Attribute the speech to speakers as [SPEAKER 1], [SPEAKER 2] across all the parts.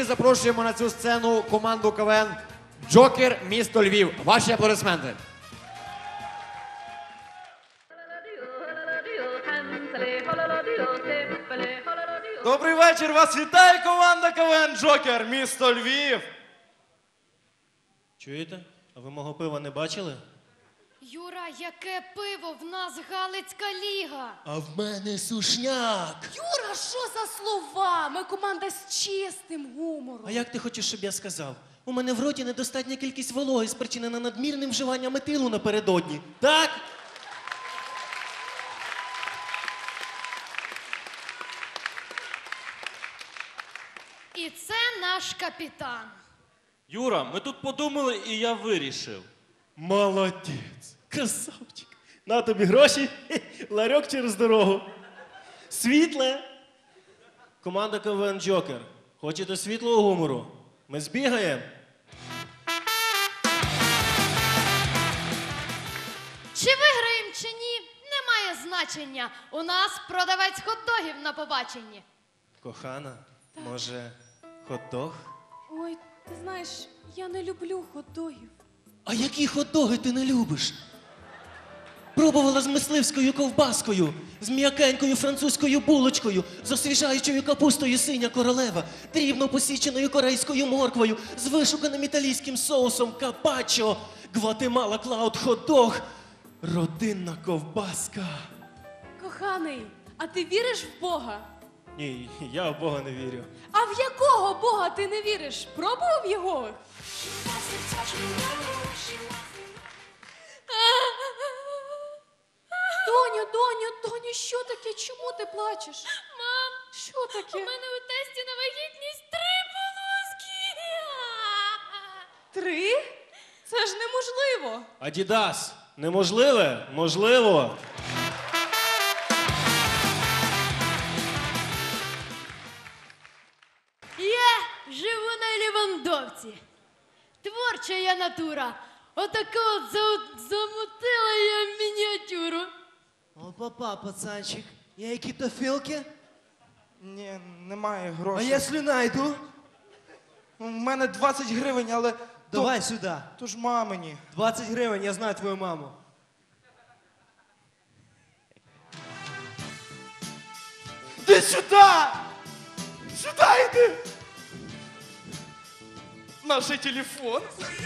[SPEAKER 1] ми запрошуємо на цю сцену команду КВН «Джокер. Місто Львів». Ваші аплодисменти.
[SPEAKER 2] Добрий вечір, вас вітає команда КВН «Джокер. Місто Львів».
[SPEAKER 3] Чуєте? А ви мого пива не бачили?
[SPEAKER 4] Юра, яке пиво? В нас Галицька ліга.
[SPEAKER 3] А в мене сушняк.
[SPEAKER 5] Юра, що за слова? Ми команда з чистим гумором.
[SPEAKER 3] А як ти хочеш, щоб я сказав? У мене в роті недостатня кількість вологи, спричинена надмірним вживанням етилу напередодні. Так?
[SPEAKER 4] І це наш капітан.
[SPEAKER 6] Юра, ми тут подумали, і я вирішив.
[SPEAKER 3] Молодець. Красавчик. На тобі гроші, ларьок через дорогу. Світле. Команда КВН «Джокер». Хочете світлого гумору? Ми збігаємо.
[SPEAKER 4] Чи виграємо, чи ні, немає значення. У нас продавець хот-догів на побаченні.
[SPEAKER 3] Кохана, може, хот-дог?
[SPEAKER 5] Ой, ти знаєш, я не люблю хот-догів.
[SPEAKER 3] А які хот-доги ти не любиш? Пробувала з мисливською ковбаскою, з м'якенькою французькою булочкою, з освіжаючою капустою синя королева, дрібно посіченою корейською морквою, з вишуканим італійським соусом капачо, Гватемала Клауд хот-дог, родинна ковбаска.
[SPEAKER 5] Коханий, а ти віриш в Бога?
[SPEAKER 3] Ні, я в Бога не вірю.
[SPEAKER 5] А в якого Бога ти не віриш? Пробував його? Доню, що таке? Чому ти плачеш?
[SPEAKER 4] Мам,
[SPEAKER 5] Що таке?
[SPEAKER 4] у мене у тесті на вагітність 3 полоски.
[SPEAKER 5] 3? Це ж неможливо.
[SPEAKER 3] Адідас, неможливе? Можливо.
[SPEAKER 4] Я живу на Лівандовці. Творча я натура. Отака от замутила я мініатюру.
[SPEAKER 7] Опа-па, пацанчик, є які-то філки?
[SPEAKER 2] Ні, немає
[SPEAKER 7] А
[SPEAKER 2] грошей.
[SPEAKER 7] якщо найду?
[SPEAKER 2] У мене 20 гривень, але...
[SPEAKER 7] Давай сюди.
[SPEAKER 2] То ж мамині.
[SPEAKER 7] 20 гривень, я знаю твою маму.
[SPEAKER 2] Іди сюди! Сюди йди! Наш телефон.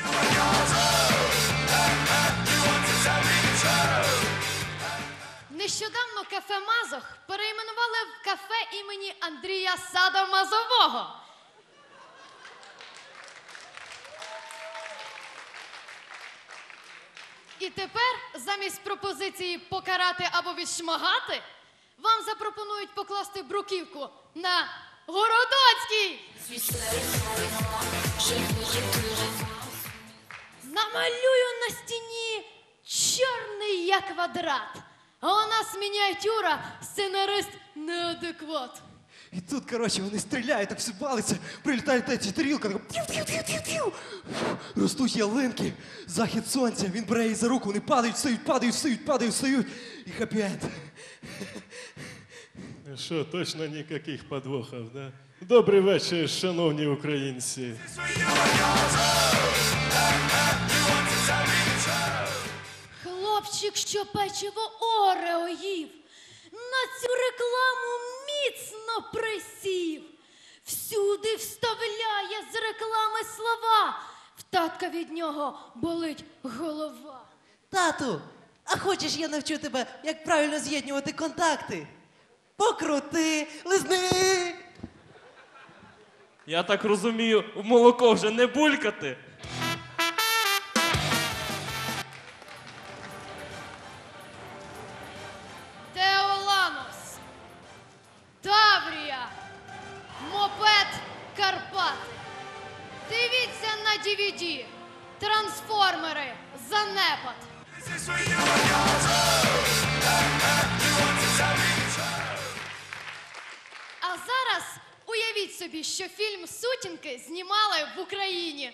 [SPEAKER 4] Нещодавно кафе Мазох перейменували в кафе імені Андрія Садомазового. І тепер замість пропозиції покарати або відшмагати, вам запропонують покласти бруківку на Городоцький. Намалюю на стіні чорний я квадрат. А у нас мініатюра, сценарист неадекват.
[SPEAKER 7] І тут, коротше, вони стріляють, так все валиться, прилітає та ця тарілка, така тів-тів-тів-тів-тів. Ростуть ялинки, захід сонця, він бере її за руку, вони падають, встають, падають, встають, падають, встають. І хеппі-енд.
[SPEAKER 3] Що, точно ніяких подвохів, да? Добрий вечір, шановні українці.
[SPEAKER 4] Хлопчик, що печиво Орео їв, на цю рекламу міцно присів. Всюди вставляє з реклами слова. В татка від нього болить голова.
[SPEAKER 7] Тату, а хочеш я навчу тебе, як правильно з'єднувати контакти? Покрути, лизни.
[SPEAKER 6] Я так розумію, в молоко вже не булькати.
[SPEAKER 4] Теоланос, Таврія, мопед Карпати. Дивіться на DVD. Трансформери, занепад. А зараз уявіть собі, що фільм «Сутінки» знімали в Україні.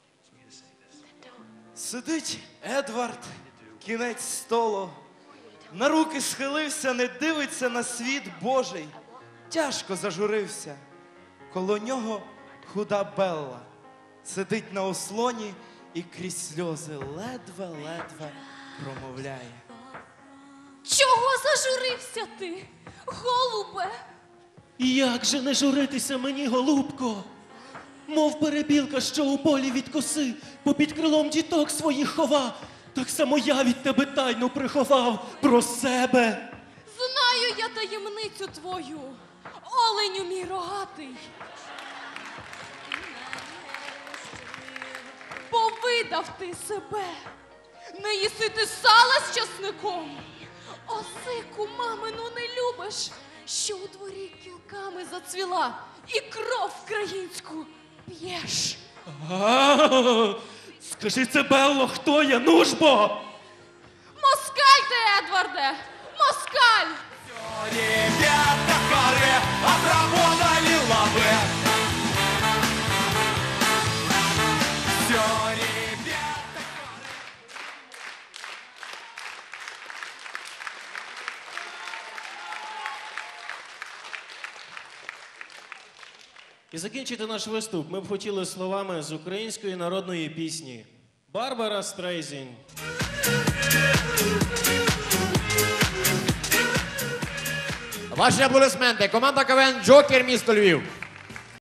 [SPEAKER 2] Сидить Едвард, кінець столу. На руки схилився, не дивиться на світ Божий. Тяжко зажурився. Коло нього худа Белла сидить на ослоні і крізь сльози ледве-ледве промовляє.
[SPEAKER 5] Чого зажурився ти, голубе?
[SPEAKER 3] Як же не журитися мені, голубко? Мов перепілка, що у полі від коси, попід крилом діток своїх хова, так само я від тебе тайну приховав про себе.
[SPEAKER 5] Знаю я таємницю твою, оленю мій рогатий. Повидав ти себе, не їси ти сала з часником. Осику мамину не любиш, що у дворі кілками зацвіла, і кров українську п'єш.
[SPEAKER 3] Скажи це, Белло, хто я, ну ж бо!
[SPEAKER 5] Москаль ти, Едварде, москаль!
[SPEAKER 2] Ребята харе отработали лавы. Все, ребята.
[SPEAKER 3] І закінчити наш виступ ми б хотіли словами з української народної пісні «Барбара Стрейзін».
[SPEAKER 1] Ваші аплодисменти. Команда КВН Джокер, місто Львів.